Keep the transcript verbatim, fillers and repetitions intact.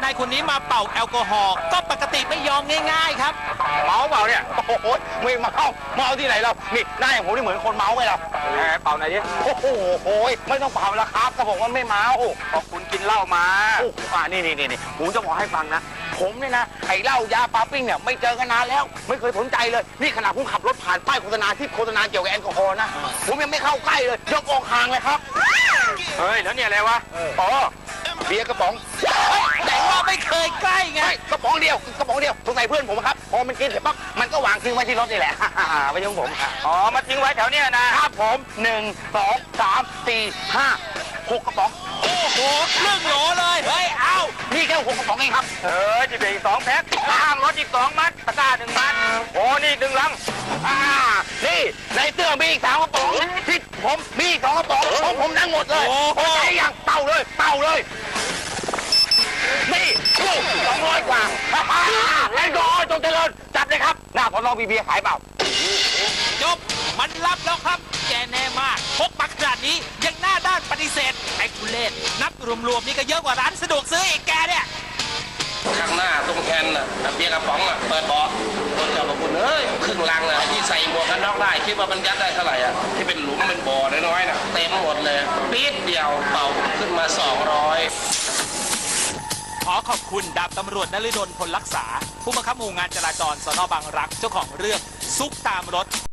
ายคนนี้มาเป่าแอลกอฮอล์ก็ปกติไม่ยอมง่ายๆครับเมาเปล่าเนี่ยโอ้โหไม่เมาเมาที่ไหนเรานี่หน้าอย่างผมนี่เหมือนคนเมาไหมเราแหมเป่าไหนดิโอ้โหไม่ต้องเป่าแล้วครับก็บอกว่าไม่เมาเพราะคุณกินเหล้ามาอ่านี่นี่นี่ผมจะบอกให้ฟังนะผมเนี่ยนะไอ้เหล้ายาปาปิ้งเนี่ยไม่เจอกันนานแล้วไม่เคยสนใจเลยนี่ขณะผมขับรถผ่านป้ายโฆษณาที่โฆษณาเกี่ยวกับแอลกอฮอล์นะผมยังไม่เข้าใกล้เลยยกออกห่างเลยครับเฮ้ยแล้วเนี่ยอะไรวะอ๋อเบียร์กระป๋องแต่ว่าไม่เคยใกล้ไงกระป๋องเดียวกระป๋องเดียวสงสัยเพื่อนผมครับพอมันกินเสร็จปั๊บมันก็วางทิ้งไว้ที่รถนี่แหละไม่ใช่ของผมอ๋อมาทิ้งไว้แถวเนี้ยนะครับผมหนึ่งสองสามสี่ห้าหกกระป๋องโอ้โหครึ่งโหลเลยเฮ้ยเอานี่แค่หกกระป๋องเองครับเออจะเป็นอีกสองแพ็คข้างรถอีกสองมัดตะกร้าหนึ่งมัดโอ้นี่หนึ่งลังอ่านี่ในเตื้อมีอีกสามกระป๋องที่ผมมีอีกสองกระป๋องของผมทั้งหมดเลยโอ้ใช่ยังเป่าเลยเป่าเลยนี่ลูกสองร้อยกว่าแอลกอฮอล์จงเจริญจัดเลยครับหน้าพอลองบีเบียขายเปล่าจบมันรับแล้วครับแกแน่มากพกมาขนาดนี้ยังหน้าด้านปฏิเสธไอ้ทุเรศนับรวมๆนี่ก็เยอะกว่าร้านสะดวกซื้ออีกแกเนี่ยข้างหน้าตรงแคนน่ะเบียร์กระป๋องอ่ะเปิดเบาะคนเจ้าของคุณเอ้ยครึ่งลังอ่ะที่ใส่หมวกกันน็อกได้คิดว่ามันยัดได้เท่าไหร่อ่ะที่เป็นหลุมเป็นบ่อน้อยๆน่ะเต็มหมดเลยปี๊ดเดียวเป่าขึ้นมาสองร้อยขอขอบคุณดาบตำรวจนฤดลพลรักษาผู้บังคับหมู่งานจราจรสน.บางรักเจ้าของเรื่องซุกตามรถ